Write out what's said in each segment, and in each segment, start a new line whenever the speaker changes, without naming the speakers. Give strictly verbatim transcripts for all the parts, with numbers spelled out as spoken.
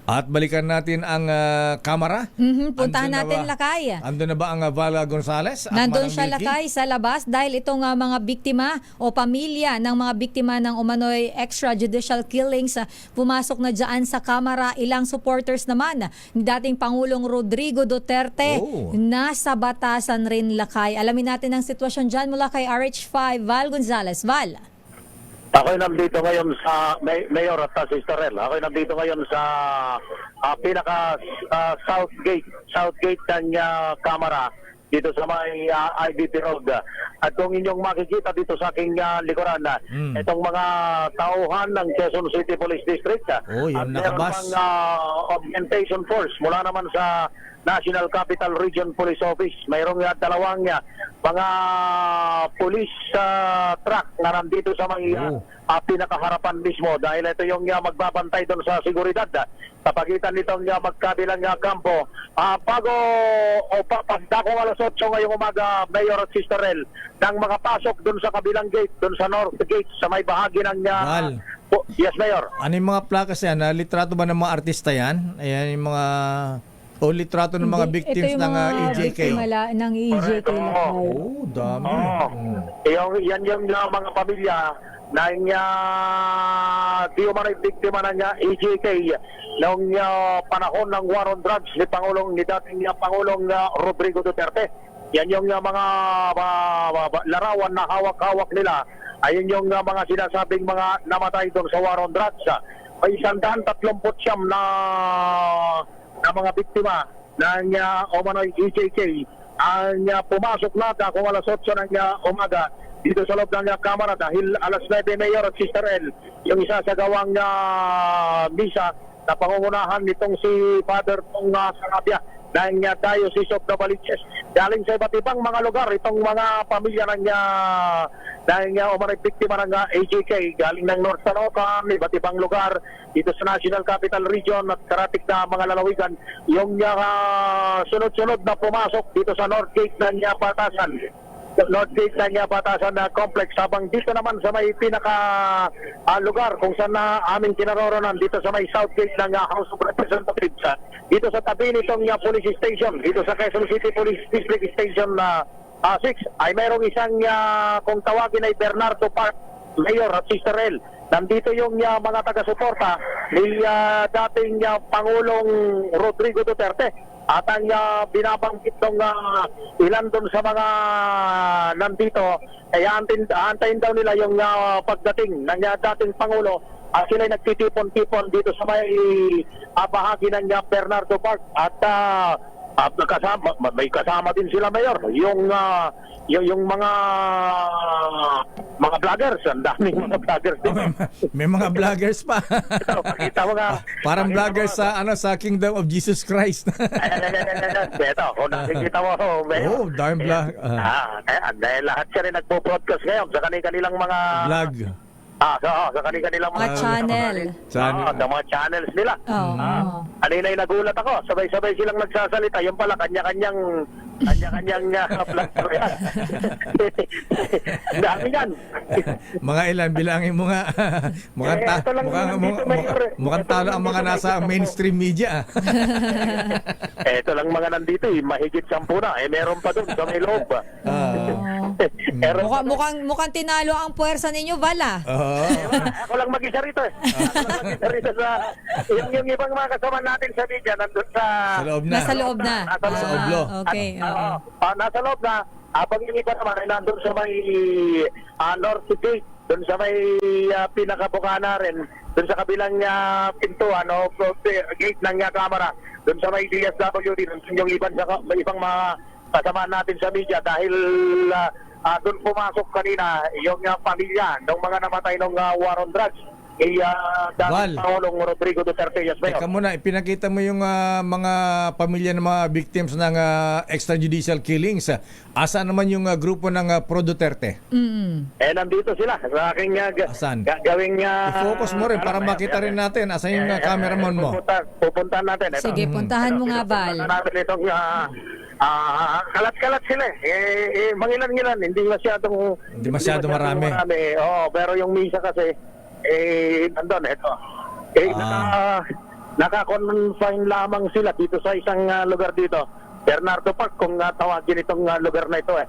At balikan natin ang uh, kamera.
Mhm, puntahan
Andun na
natin
ba-
Lakay.
Andun na ba ang uh, Vala Gonzales? At
Nandun
Manang
siya
Milky?
Lakay sa labas dahil itong uh, mga biktima o pamilya ng mga biktima ng umano'y extrajudicial killings uh, pumasok na dyan sa kamera. Ilang supporters naman ni dating Pangulong Rodrigo Duterte
Oh.
nasa batasan rin Lakay. Alamin natin ang sitwasyon dyan mula kay R H five Val Gonzales. Val.
Ako'y nandito ngayon sa May- Mayor at uh, Sister Rel. Ako'y nandito ngayon sa uh, pinaka uh, South Gate, South Gate ng uh, Kamara dito sa may uh, I B P Road. At kung inyong makikita dito sa aking uh, likuran,
Mm.
itong mga tauhan ng Quezon City Police District.
Oh, yung
at meron
nakabas.
pang uh, augmentation force mula naman sa National Capital Region Police Office. Mayroong uh, dalawang uh, mga police uh, truck na nandito sa may uh,
Oh.
uh, pinakaharapan mismo dahil ito yung uh, magbabantay doon sa seguridad uh, sa pagitan nitong uh, magkabilang uh, kampo. Uh, bago o pa, pagdakong alas otso ngayong umaga, Mayor at Sister Rel, nang makapasok doon sa kabilang gate, doon sa North Gate, sa may bahagi ng... Uh,
Val.
po- yes, Mayor.
Ano yung mga plakas yan? Uh, litrato ba ng mga artista yan? Ayan yung mga... O litrato ng mga
Hindi,
victims
ito yung
ng uh,
mga
E J K?
biktima la- ng E J K
Correct, oo.
Lakay.
Oh, dami.
Oo.
Mm.
Yung, yan yung uh, mga pamilya na uh, di umano'y biktima ng uh, E J K noong uh, panahon ng war on drugs ni Pangulong ni dating uh, Pangulong uh, Rodrigo Duterte. Yan yung uh, mga uh, uh, larawan na hawak-hawak nila. Ayun yung uh, mga sinasabing mga namatay doon sa war on drugs. May isandaan tatlumput siyam na na mga biktima ng uh, umano'y E J K ang uh, pumasok na kung alas otso ng uh, umaga dito sa loob ng uh, kamera dahil alas nuwebe Mayor at Sister Rel yung isasagawang uh, misa na pangungunahan nitong si Father Tong uh, Sarabia ng uh, Diocese of Novaliches. Galing sa iba't ibang mga lugar itong mga pamilya ng uh, ng uh, umanay biktima ng uh, A J K galing ng North Sanocan, iba't ibang lugar dito sa National Capital Region at karatig na mga lalawigan yung uh, sunod-sunod na pumasok dito sa North Gate ng uh, Batasan. North Gate ng uh, Batasan na complex habang dito naman sa may pinaka uh, lugar kung saan na aming kinaroronan dito sa may South Gate ng uh, House of Representatives uh, dito sa tabi nitong uh, police station dito sa Quezon City Police District Station na uh, six ay mayroong isang uh, kung tawagin ay Bernardo Park Mayor at Sister Rel. Nandito yung uh, mga taga-suporta ni uh, dating uh, Pangulong Rodrigo Duterte. At ang uh, binabanggit ng uh, ilan doon sa mga nandito, ay antin, antayin daw nila yung uh, pagdating ng uh, dating Pangulo at sila'y nagtitipon-tipon dito sa may uh, bahagi ng uh, Bernardo Park. At uh, at kasama, may kasama din sila Mayor, yung uh, yung, yung mga mga vloggers, ang daming mga vloggers
Oh,
dito.
may, may mga vloggers pa.
Ito, pakita mo nga.
Parang
Pakita
vloggers
mo.
sa ano sa Kingdom of Jesus Christ.
Ito, kung nakikita mo, oh, Mayor.
Oh, darn vlog.
Ah,
Ah,
kaya, dahil lahat siya rin nagpo-broadcast ngayon sa kanilang mga...
vlog.
Ah, sa, sa kanilang mga...
Mga channel.
Channel.
Ah, sa mga channels nila.
Oo.
Kanina ay nagulat ako, sabay-sabay silang nagsasalita. Yung pala, kanya-kanyang... Kanya-kanyang uh, platform yan. Ang dami yan.
Mga ilan bilangin mo nga. mukhang
Eh,
ta-
ito lang
mukhang,
naman
mukhang,
dito, Mayor, eh.
mukhang
Ito
talo
lang
ang
dito,
mga nasa
nakikita ko.
mainstream media. ah.
Eh, ito lang mga nandito eh, mahigit sampu na. Eh, meron pa doon sa may loob.
Ah.
Meron
Mukha,
pa doon.
mukhang, mukhang tinalo ang puwersa ninyo, Vala.
Oo.
Ako lang mag-isa rito eh. Ako lang mag-isa rito sa... Yung, yung ibang mga kasama natin sa media, nandun sa...
Sa loob na.
Nasa loob na.
Nasa loob.
Sa oblo.
Ah, okay.
At,
oo.
ah, ah, nasa loob na. Habang yung iba naman ay nandun sa may uh, North Gate, dun sa may uh, pinakabukana rin, dun sa kabilang uh, pintuan o uh, gate ng uh, kamera, dun sa may D S W D, dun yung ibang, ibang mga kasama natin sa media dahil uh, uh, dun pumasok kanina yung uh, pamilya ng mga namatay ng uh, war on drugs kay uh,
Val.
dating Pangulong Rodrigo Duterte. Yes, Mayor.
Teka muna, ipinakita mo yung ah, mga pamilya ng mga victims ng ah, extrajudicial killings. Asa naman yung ah, grupo ng ah, Pro Duterte?
Mm.
Eh, nandito sila sa aking uh, ga-
Asan?
ga- gawing... Uh,
I-focus mo rin para makita rin natin. Asan yung ah, cameraman mo?
Pupunta, pupuntahan natin. Ito.
Sige, puntahan mo nga, Val.
Pupuntahan natin itong uh, uh, kalat-kalat sila eh. Eh, eh mangilan-ngilan, hindi masyadong...
Hindi masyado marami.
Oo, pero yung misa kasi, eh, nandun, ito. Eh,
Ah.
naka, nakakonfine lamang sila dito sa isang ah, lugar dito. Bernardo Park, kung ah, tawagin itong ah, lugar na ito eh.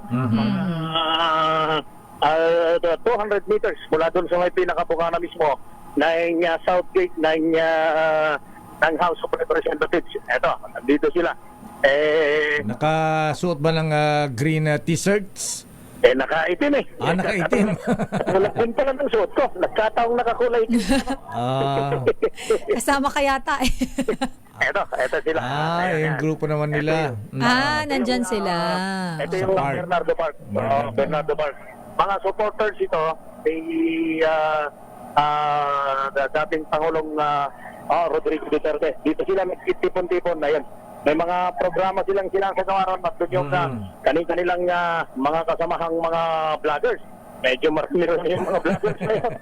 Ah, ah, two hundred meters mula doon sa may pinakabukana mismo ng uh, South Gate ng, uh, ng House of Representatives. Eto, dito sila. Eh,
Nakasuot ba ng ah, green ah, t-shirts?
eh nakaitim eh.
Ah, nakaitim.
Wala din pala ng suot ko. Nagkataong nakakulay.
Ah,
Kasama ka yata eh.
Eto, eto sila.
ah,
Ayan,
yung
yan.
grupo naman nila. Mm.
ah, nandyan sila.
Ito
Sa
yung
park.
Bernardo Park.
Bernardo.
Oo, Bernardo Park. Mga supporters ito, may uh, uh, dating Pangulong uh, oh, Rodrigo Duterte. Dito sila nagtipon-tipon na yan. May mga programa silang silang sa kawaran at doon yung uh,
Mm.
kani-kanilang uh, mga kasamahang mga vloggers. Medyo marami yung mga vloggers na yun.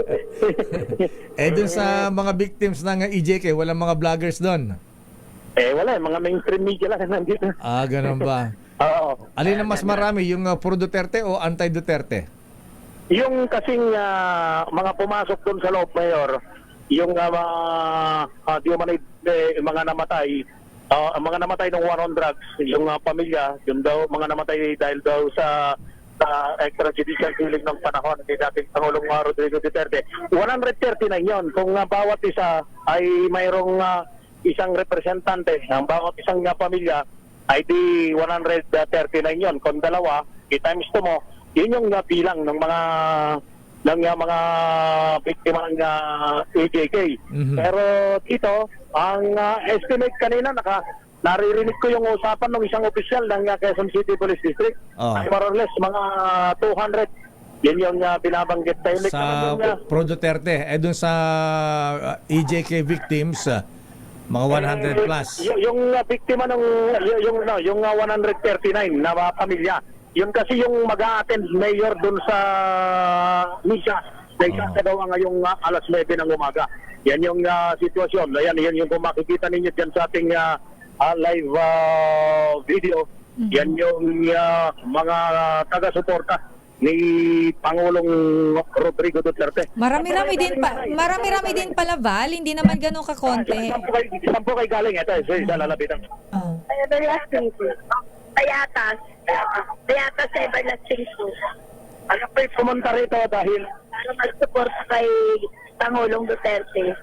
Eh, dun sa mga victims ng E J K, walang mga vloggers doon.
Eh wala, mga mainstream media lang nandito.
Ah, ganun ba?
Oo.
Alin ang mas marami, yung uh, pro Duterte o anti-Duterte?
Yung kasing ah, mga pumasok doon sa loob, Mayor, yung uh, mga uh, di man eh, mga namatay, ah, ang mga namatay ng war on drugs, yung ah, pamilya, yung daw mga namatay dahil daw sa sa extrajudicial killing ng panahon ni dating Pangulong ah, Rodrigo Duterte. one hundred thirty-nine yon. Kung ah, bawat isa ay mayroong ah, isang representante, ang bawat isang ah, pamilya ay di one hundred thirty-nine yon. Kung dalawa, i-times to mo, yun yung uh, bilang ng mga ng uh, mga biktima ng uh, A J K.
Mhm.
Pero dito, ang uh, estimate kanina, naka, naririnig ko yung usapan ng isang opisyal ng uh, Quezon City Police District.
Oh.
Ay more or less, mga two hundred. Yun yung uh, binabanggit tayo.
Sa pro Duterte, eh dun sa uh, E J K victims, uh, mga one hundred plus.
Y- yung uh, biktima ng y- yung no, yung uh, one hundred thirty-nine na uh, pamilya. Yun kasi yung mag-a-attend mayor dun sa misa. Sa
Oh.
daw ngayong uh, alas nine ng umaga. Yan yung uh, sitwasyon. Ayan, yan yung kung makikita ninyo dyan sa ating uh, uh, live uh, video. Yan yung uh, mga taga-suporta ni Pangulong Rodrigo Duterte.
Marami-rami din pa, marami-rami din pala, Val, hindi naman ganun kakonti.
Isang po kay, isang po kay galing. Ito, isa, isa lalabitan.
Oh.
Everlasting po. Payatas. Payatas sa Everlasting po.
Ano pa yung pumunta rito dahil
Para mag-support kay Pangulong Duterte.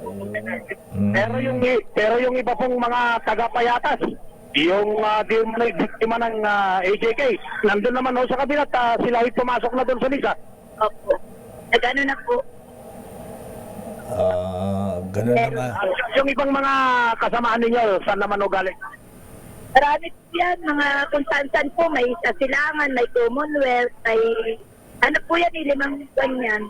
Mm.
pero yung pero yung iba pong mga taga-payatas, yung uh, di mo na biktima ng ah, A J K, nandun naman ho sa kabinet, uh, sila ay pumasok na doon sa misa.
Opo. Nagano na po.
Ah, ganun na nga.
Ah, yung ibang mga kasamaan ninyo, saan naman ho galing?
Marami po yan. Mga kung saan-saan po. May Asilangan, may Commonwealth, may... Ano po yan eh, limang ganyan.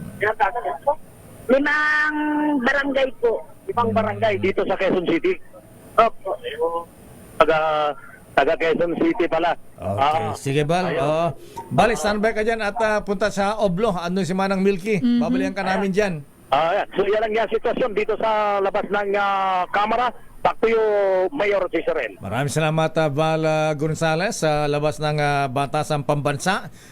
Limang barangay po.
Ibang barangay dito sa Quezon City.
Opo.
Taga taga Quezon City pala.
Okay,
Ah,
sige Bal. Oo. Bal, standby ka dyan at ah, punta sa Oblo. Andun si Manang Milky. Babalihan ka namin dyan.
ah, yan. So yan ang yung sitwasyon dito sa labas ng ah, kamera. Back to you, Mayor Cesarel.
Maraming salamat, ah, Val ah, Gonzales, sa labas ng ah, Batasang Pambansa.